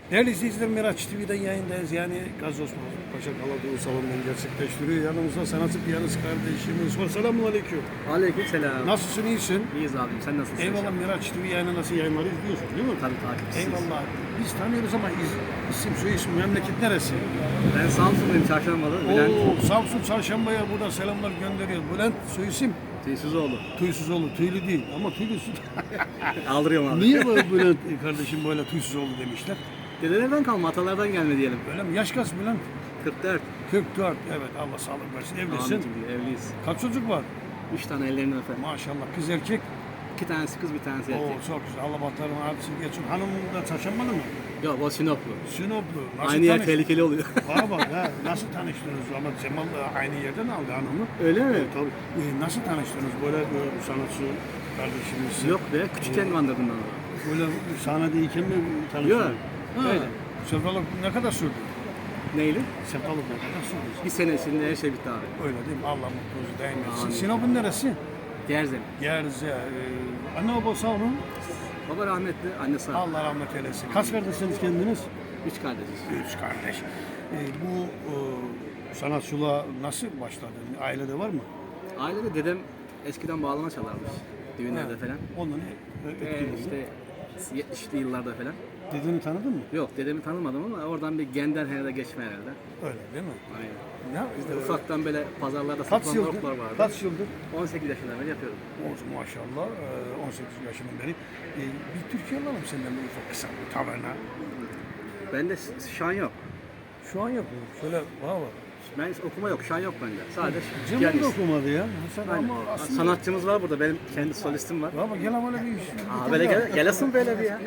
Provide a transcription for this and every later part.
Değerli izleyiciler, Miraç TV'den yayındayız. Yani Gazi Osman Paşa Kaladığı salonundan gerçekleştiriyor. Yanımızda sanatçı piyanist kardeşimiz var. Selamun aleyküm. Aleykümselam. Nasılsın, iyisin? İyiyiz abim, sen nasılsın? Eyvallah. Miraç TV yayını nasıl yayınları izliyorsun değil mi? Tabii takipçisiyiz. Eyvallah. Biz tanıyoruz ama isim soy isim memleket neresi? Ben Samsun'dayım, Çarşamba'da. Bülent Samsun Çarşamba'ya buradan selamlar gönderiyoruz. Bülent soy isim? Tüysüzoğlu. Tüysüzoğlu. Tüylü değil ama tüylüsü. Aldırıyorum abi. Niye böyle Bülent kardeşim böyle Tüysüzoğlu demişler? Dedelerden kalma, atalardan gelme diyelim. Öyle mi? Yaş kaç Bülent? 44. 44. Evet, Allah sağlık versin. Evlisin. Ahmet'im, evliyiz. Kaç çocuk var? 3 tane ellerinden öper. Maşallah. Kız erkek. 2 tanesi kız, bir tanesi Oo, erkek. çok güzel. Allah batlarını artısın geçsin. Hanım da Çarşambalı mı? Yok, o Sinoplu. Sinoplu. Nasıl Aynı yer tanış- tehlikeli oluyor. Bana bak ha. Nasıl tanıştınız? Ama Cemal da aynı yerden aldı hanımı. Öyle mi? Tabii. Nasıl tanıştınız? Böyle bir sanatçı kardeşimiz. Yok be, küçükken kandırdım ben onu. Böyle sahnedeyken mi tanıştınız? Yok, öyle. Sevdalık ne kadar sürdü? Neyli? Sevdalık ne kadar sürdü? Bir sene içinde her şey bitti abi. Öyle değil mi? Allah mutluluğu daim etsin. Amin. Sinop'un neresi? Gerzem. Gerze. Anne baba sağ olun. Baba rahmetli, anne sağ. Allah rahmet eylesin. Kaç kardeşsiniz kendiniz? 3 kardeşiz. Üç kardeş. Bu sanatçılığa nasıl başladın? Ailede var mı? Ailede dedem eskiden bağlama çalarmış. Düğünlerde falan. Ondan İşte 70'li yıllarda falan. Dedeni tanıdın mı? Yok, dedemi tanımadım ama oradan bir gender herhalde geçme herhalde. Öyle değil mi? Aynen. Ya, Bizde ufaktan böyle pazarlarda kaç satılan yıldır? orklar vardı. Kaç yıldır? 18 yaşından beri yapıyorum. Olsun maşallah. 18 yaşından beri. Bir Türkiye alalım senden bir ufak kısa bir taverna. Bende şan yok. Şu an yapıyorum. Şöyle bana bak. Ben okuma yok, şan yok bende. Sadece Cemal da piyanist. okumadı ya. Sen Aynen. ama aslında... Sanatçımız var burada, benim kendi solistim var. Baba gel ama öyle bir iş. Aa, böyle gelesin böyle bir ya.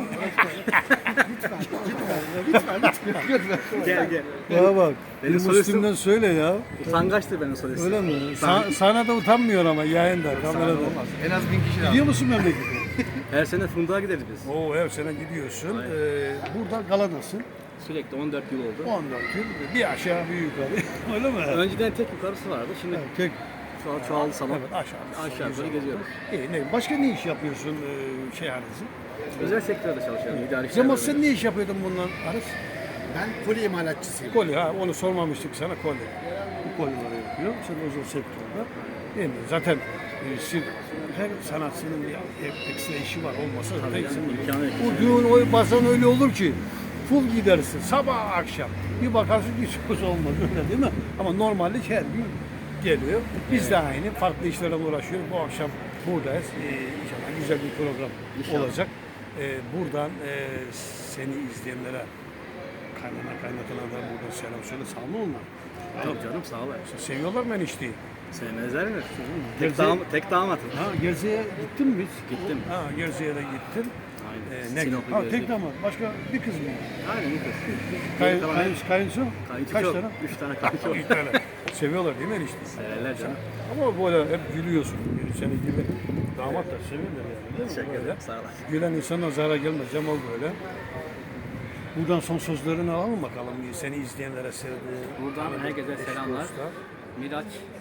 Gel gel. Bana bak. Benim Bir solistim- Müslüm'den söyle ya. Utangaçtır benim solistim. Öyle mi? Sahnede utanmıyor ama yayında, kamerada. En az 1000 kişi Gidiyor musun memlekete? Her sene Funda'ya gideriz biz. Oo, her sene gidiyorsun. Burada galadasın. Sürekli 14 yıl oldu. 14 yıl. Bir aşağı bir yukarı. Öyle mi? Önceden tek yukarısı vardı. Şimdi Evet, tek. şu an çoğaldı salon. Evet, aşağı. Aşağı yukarı geziyoruz. İyi, ne? Başka ne iş yapıyorsun şey Arız'ı? Özel sektörde çalışıyorum. İdari Cemal işlerde. sen ne iş yapıyordun bundan Arız? Ben kolye imalatçısıyım. Kolye, ha onu sormamıştık sana kolye. Bu kolyeleri yapıyor. Sen özel sektörde. Değil mi? Zaten her sanatçının bir ekstra işi var olmasa zaten yani imkanı yok. bu düğün bazen öyle olur ki full gidersin sabah akşam. Bir bakarsın hiç söz olmaz öyle değil mi? Ama normalde her gün geliyor. Biz de aynı farklı işlerle uğraşıyoruz. Bu akşam buradayız. İnşallah güzel bir program İnşallah. olacak. Buradan seni izleyenlere kaynatana da buradan selam söyle. Sağ mı onlar? Yok canım, sağ ol. Seviyorlar mı enişteyi? Sevmezler mi? Gerçi- Tek damatım. Ha, Gerze'ye gittin mi hiç? Gittim. Ha, Gerze'ye de gittin. Aynen. Ne? Sinop'u Ha, gezdik. tek damat. Başka bir kız mı? Aynen, bir kız. Kayınço? Kayınço Kaç çok. tane? 3 tane kayınço. Bir tane. Seviyorlar değil mi enişte? Severler canım. Ama böyle hep gülüyorsun. Senin gibi damat da seviyorlar yani. Değil mi? Teşekkür Böyle. ederim. Sağ ol. Gülen insana zarar gelmez. Cemal böyle. Buradan son sözlerini alalım bakalım. Seni izleyenlere sevdiği. Buradan herkese selamlar. Miraç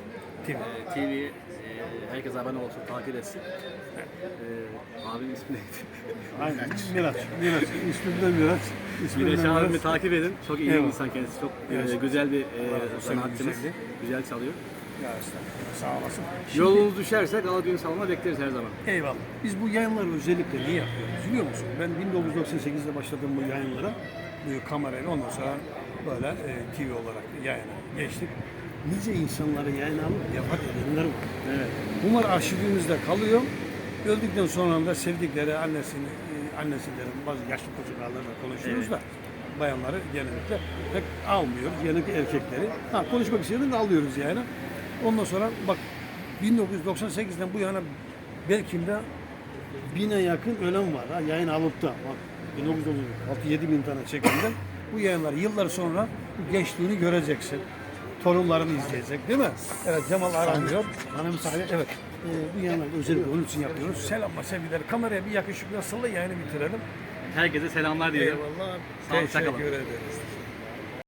TV, herkes abone olsun, takip etsin. Abimin ismi neydi? Aynen. Miraç. İsmim de Miraç. Miraç abimi takip edin. Çok iyi bir Eyvallah. insan kendisi. Çok Evet. güzel bir olsun, sanatçımız. güzeldi. Güzel çalıyor. Ya estağfurullah. Sağ olasın. Yolunuz düşerse Galadiyun Salon'a bekleriz her zaman. Eyvallah. Biz bu yayınları özellikle niye yapıyoruz biliyor musun? Ben 1998'de başladım bu yayınlara. Bu kamerayla ondan sonra böyle TV olarak yayına geçtik. Nice insanları yayına alıp vefat edenler var. Evet. Bunlar arşivimizde kalıyor. Öldükten sonra da sevdikleri annesilerin bazı yaşlı çocuklarla konuşuyoruz da bayanları genellikle pek almıyoruz. Genellikle erkekleri. Ha, konuşmak isteyen de alıyoruz yani. Ondan sonra bak 1998'den bu yana belki de 1000'e yakın ölen var. Ha, yayın alıp da bak 1996 7.000 tane çekimden bu yayınlar yıllar sonra bu gençliğini göreceksin. Torunlarını izleyecek değil mi? Evet, Cemal aranıyor. Bana müsaade. Evet. Bu yayınlar özellikle onun için yapıyoruz. Selamlar, sevgiler. Kameraya bir yakışıklı salla yayını bitirelim. Herkese selamlar diyorum. Eyvallah. Sağ olun, Teşekkür kalın. ederiz.